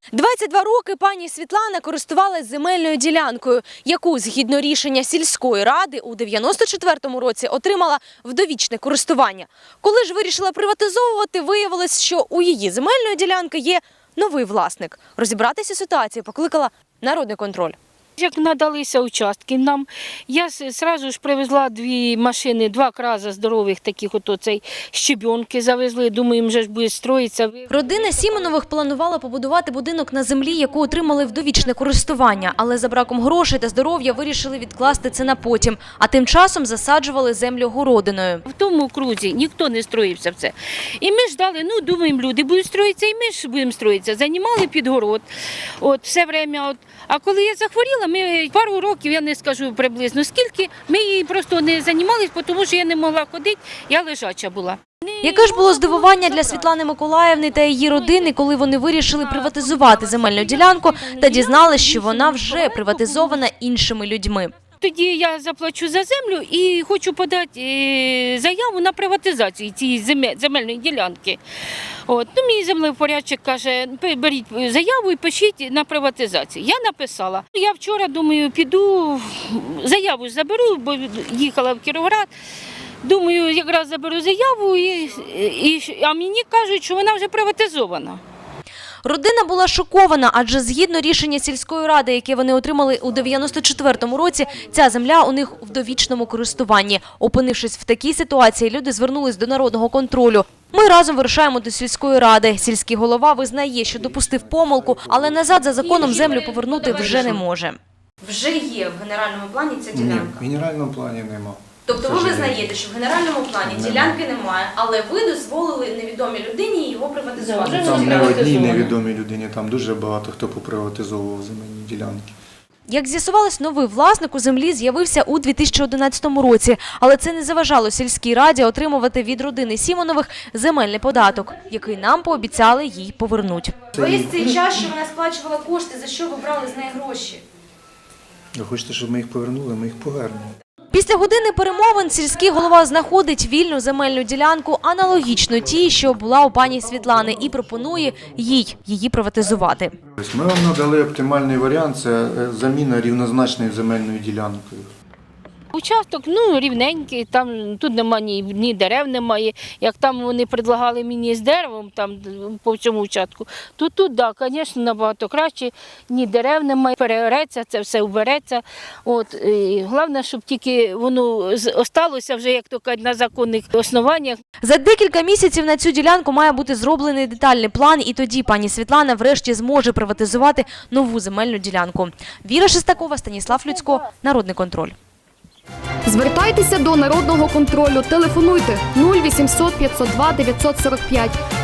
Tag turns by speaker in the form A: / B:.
A: 22 роки пані Світлана користувалась земельною ділянкою, яку, згідно рішення сільської ради, у 94-му році отримала в довічне користування. Коли ж вирішила приватизовувати, виявилось, що у її земельної ділянки є новий власник. Розібратися ситуацією покликала Народний контроль.
B: Як надалися участки нам, я одразу ж привезла 2 машини, 2 краза здорових таких, щебенки завезли, думаю, їм вже ж буде строїтися.
A: Родина Сімонових планувала побудувати будинок на землі, яку отримали в довічне користування, але за браком грошей та здоров'я вирішили відкласти це на потім, а тим часом засаджували землю городиною.
B: В тому окрузі ніхто не строївся в це. І ми ждали, думаємо, люди будуть строїтися, і ми ж будемо строїтися. Займали під город, все время. А коли я захворіла, ми пару років, я не скажу приблизно скільки, ми її просто не займалися, тому що я не могла ходити, я лежача була.
A: Яке ж було здивування для Світлани Миколаївни та її родини, коли вони вирішили приватизувати земельну ділянку та дізналися, що вона вже приватизована іншими людьми.
B: Тоді я заплачу за землю і хочу подати заяву на приватизацію цієї земельної ділянки. Мій землевпорядчик каже, беріть заяву і пишіть на приватизацію. Я написала. Я вчора, думаю, піду, заяву заберу, бо їхала в Кіровоград. Думаю, якраз заберу заяву, а мені кажуть, що вона вже приватизована.
A: Родина була шокована, адже згідно рішення сільської ради, яке вони отримали у 94-му році, ця земля у них в довічному користуванні. Опинившись в такій ситуації, люди звернулись до Народного контролю. Ми разом вирушаємо до сільської ради. Сільський голова визнає, що допустив помилку, але назад за законом землю повернути вже не може. Вже є в генеральному плані ця ділянка?
C: Ні, в генеральному плані нема.
A: Тобто ви визнаєте, що в генеральному плані ділянки немає, але ви дозволили невідомій людині його приватизувати?
C: Там не одній невідомій людині, там дуже багато хто поприватизовував земельні ділянки.
A: Як з'ясувалось, новий власник у землі з'явився у 2011 році, але це не заважало сільській раді отримувати від родини Сімонових земельний податок, який нам пообіцяли їй повернуть. Весь цей час, що вона сплачувала кошти, за що ви брали з неї гроші?
C: Ви хочете, щоб ми їх повернули, ми їх повернемо.
A: Після години перемовин сільський голова знаходить вільну земельну ділянку, аналогічну тій, що була у пані Світлани, і пропонує її приватизувати.
C: Ми вам надали оптимальний варіант – це заміна рівнозначною земельною ділянкою.
B: Участок, рівненький, тут немає ні дерев немає. Як там вони пропонували мені з деревом по всьому участку, то тут, звісно, набагато краще, ні дерев немає, переореться, це все убереться. Головне, щоб тільки воно залишилося вже, як то кажуть, на законних основаннях.
A: За декілька місяців на цю ділянку має бути зроблений детальний план, і тоді пані Світлана врешті зможе приватизувати нову земельну ділянку. Віра Шестакова, Станіслав Люцько, Народний контроль.
D: Звертайтеся до Народного контролю. Телефонуйте 0800 502 945.